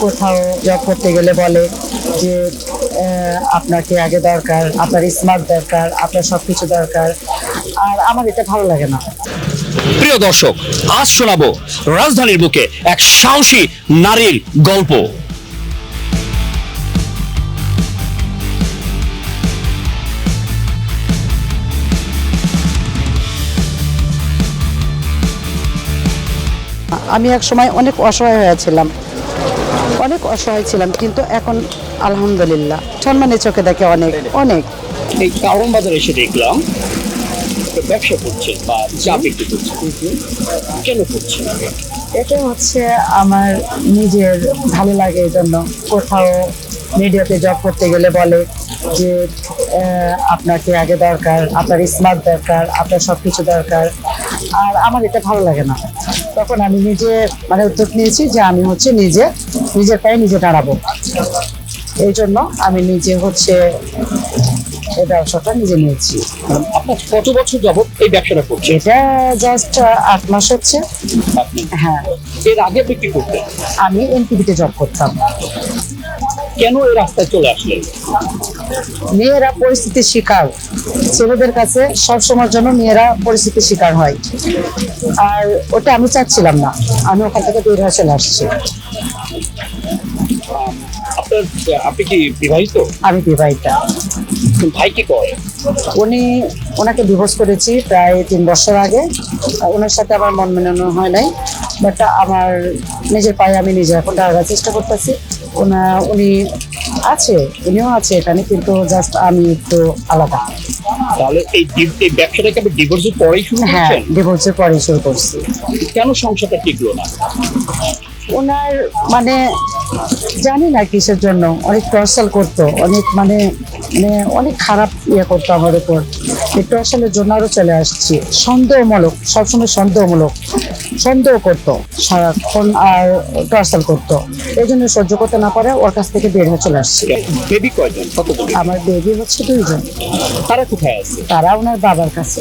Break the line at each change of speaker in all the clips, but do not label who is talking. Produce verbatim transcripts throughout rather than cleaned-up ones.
কোথাও জব করতে গেলে বলে যে আহ, আপনাকে আগে দরকার, আপনার স্মার্ট দরকার, আপনার সবকিছু দরকার। আর আমার এটা ভালো লাগে না।
প্রিয় দর্শক, আজ শোনাবো রাজধানীর বুকে এক সাহসী নারীর গল্প।
আমি এক সময় অনেক অসহায় হয়েছিলাম, অনেক অসহায় ছিলাম, কিন্তু এখন আলহামদুলিল্লাহ সম্মানের চোখে দেখে অনেক অনেক।
এই কারণ বাজারে এসে দেখলাম একটা ব্যবসা করছে বা চা বিক্রি করছে, কেন করছে?
এটা হচ্ছে আমার নিজের ভালো লাগে, এই জন্য। কোথাও মিডিয়াতে জব করতে গেলে বলে যে আহ, আপনাকে আগে দরকার, আপনার স্মার্ট দরকার, আপনার সবকিছু দরকার। আর আমার এটা ভালো লাগে না। তখন আমি নিজে মানে উদ্যোগ নিয়েছি যে আমি হচ্ছে নিজে নিজের পায়ে নিজে দাঁড়াবো। এই জন্য আমি নিজে হচ্ছে এই ব্যবসাটা নিজে নিয়েছি।
আপনার কত বছর যাবত এই ব্যবসাটা করছে?
এটা জাস্ট আট মাস হচ্ছে।
আপনি
হ্যাঁ,
এর আগে আপনি কি করতেন?
আমি এনটিভিতে জব করতাম।
কেন এই রাস্তায় চলে আসলেন?
মেয়েরা পরিস্থিতির শিকার, ছেলেদের কাছে সবসময়ের জন্য মেয়েরা পরিস্থিতির শিকার হয়। আর ওটা আমি চাচ্ছিলাম না, আমি ওখান থেকে বের হয়ে চলে আসছি।
আপনার আপনি কি বিবাহিত?
আমি বিবাহিতা।
ভাই কি করে?
উনি ওনাকে ডিভোর্স করেছি প্রায় তিন বছর আগে। ওনার সাথে আমার মন মেলানো হয় নাই, বাট আমার নিজের পায়ে আমি নিজে এখন দাঁড়ানোর চেষ্টা করতেছি। ওনা উনি আছে, উনিও আছে এখানে, কিন্তু জাস্ট আমি একটু আলাদা।
তাহলে এই ডি- এই ব্যবসাটাকে আপনি ডিভোর্সের পরেই শুরু
হ্যাঁ,
করছেন?
ডিভোর্সের পরে শুরু করছি।
কেন সংসারটা টিকলো না?
ওনার মানে জানি না কিসের জন্য অনেক টর্চার করতো, অনেক মানে মানে অনেক খারাপ ইয়ে করতো আমার উপর। এই টর্চারের জন্য আরো চলে আসছি। সন্দেহমূলক, সবসময় সন্দেহমূলক সন্দেহ করতো সারাক্ষণ, আর টর্চার করতো। এই জন্য সহ্য করতে না পারে ওর কাছ থেকে বের হয়ে চলে আসছি।
বেবি কয়জন? কতজন?
আমার বেবি হচ্ছে দুইজন।
তারা কোথায় আছে?
তারা ওনার বাবার কাছে।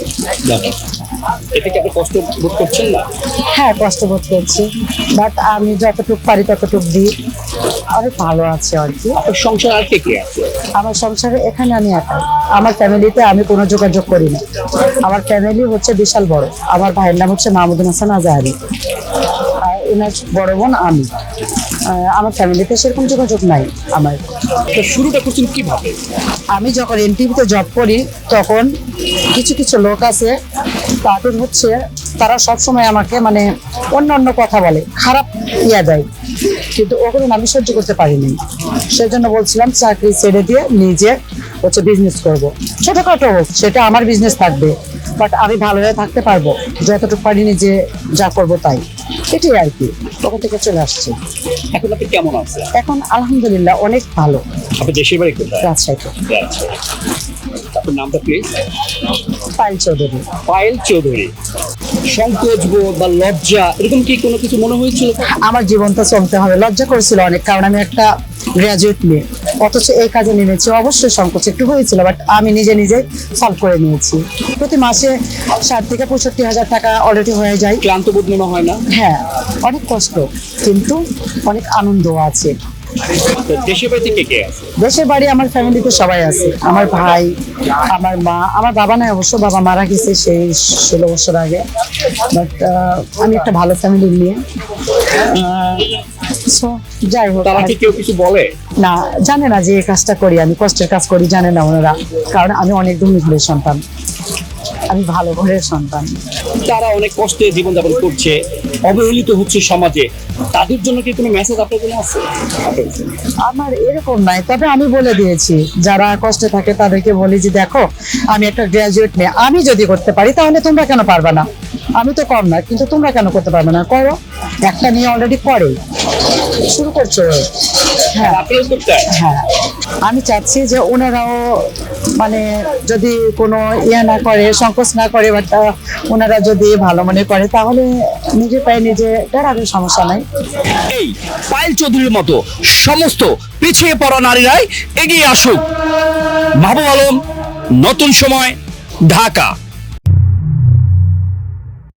এতে কি আপনি কষ্ট বোধ করছেন না?
হ্যাঁ, কষ্ট বোধ করছি, বাট আমি যতটুকু পারি ততটুকু দিই। অনেক ভালো আছে আর কি।
আপনার সংসার আর কে কে আছে?
আমার সংসারে এখানে আমি একাই। আমার ফ্যামিলিতে আমি কোনো যোগাযোগ করি না। আমার ফ্যামিলি হচ্ছে বিশাল বড়। আমার ভাইয়ের নাম হচ্ছে মাহমুদুল হাসান আজাহারি, আর এনার বড় বোন আমি। আহ, আমার ফ্যামিলিতে সেরকম যোগাযোগ নাই আমার।
তো শুরুটা করছেন কিভাবে?
আমি যখন এনটিভিতে জব করি তখন কিছু কিছু লোক আছে, তাদের হচ্ছে তারা সবসময় আমাকে মানে অন্য অন্য কথা বলে, খারাপ ইয়া দেয়, কিন্তু ওগুলো আমি সহ্য করতে পারিনি। সেজন্য বলছিলাম চাকরি ছেড়ে দিয়ে নিজে হচ্ছে বিজনেস করব, ছোটখাটো হোক, সেটা আমার বিজনেস থাকবে, বাট আমি ভালো হয়ে থাকতে পারবো, যতটুকু পারি নিজে যা করবো তাই। এটাই আর কি, ওখান থেকে চলে আসছি।
এখন আপনি কেমন আছেন?
এখন আলহামদুলিল্লাহ অনেক ভালো।
আপনার দেশের বাড়ি কোথায়?
রাজশাহীতে।
আচ্ছা। আপনার নামটা প্লিজ?
পায়েল চৌধুরী।
পায়েল চৌধুরী। সংকোচ বোধ বা লজ্জা এরকম কি কোনো কিছু মনে হয়েছিল?
আমার জীবনটা চলতে হবে, লজ্জা করেছিল অনেক, কারণ আমি একটা গ্রাজুয়েট মেয়ে, অথচ এই কাজে নেমেছি। অবশ্যই সংকোচ একটু হয়েছিল, বাট আমি নিজে নিজে সলভ করে নিয়েছি। প্রতি মাসে ষাট থেকে পঁয়ষট্টি হাজার টাকা অলরেডি হয়ে যায়।
ক্লান্ত বোধ মনে হয় না?
হ্যাঁ, অনেক কষ্ট, কিন্তু অনেক আনন্দ আছে।
তো দেশের বাড়িতে কে কে আছে?
দেশের বাড়ি আমার ফ্যামিলিতে সবাই আছে। আমার ভাই, আমার মা, আমার বাবা নাই অবশ্য, বাবা মারা গেছে সেই ষোলো বছর আগে। বাট আমি একটা ভালো ফ্যামিলি নিয়ে, সো যাই হোক।
তারা কি কেউ কিছু বলে?
না, জানে না যে এই কাজটা করি, আমি কষ্টের কাজ করি, জানে না ওনারা, কারণ আমি অনেক ধনী ঘরের সন্তান, আমি ভালো ঘরের সন্তান।
তারা অনেক কষ্টে জীবনযাপন করছে, অবহেলিত হচ্ছে সমাজে, তাদের জন্য কি কোনো মেসেজ আপনার জন্য আছে?
আমার এরকম নাই, তবে আমি বলে দিয়েছি যারা কষ্টে থাকে তাদেরকে বলি যে দেখো, আমি একটা গ্রাজুয়েট মেয়ে, আমি যদি করতে পারি তাহলে তোমরা কেন পারবে না? আমি তো কম না, কিন্তু তোমরা কেন করতে পারবে না? করো। একটা নিয়ে অলরেডি করে শুরু করছো। হ্যাঁ
আপনারা করতে হয়?
হ্যাঁ, আমি চাচ্ছি যে ওনারাও মানে যদি কোনো ইয়ে না করে, সংকোচ না করে, বাট ওনারা যদি ভালো মনে করে তাহলে নিজে পায়ে নিজে দাঁড়াবে, সমস্যা নাই।
এই পায়েল চৌধুরীর মতো সমস্ত পিছিয়ে পড়া নারীরাই এগিয়ে আসুক। মাহবুব আলম, নতুন সময়, ঢাকা।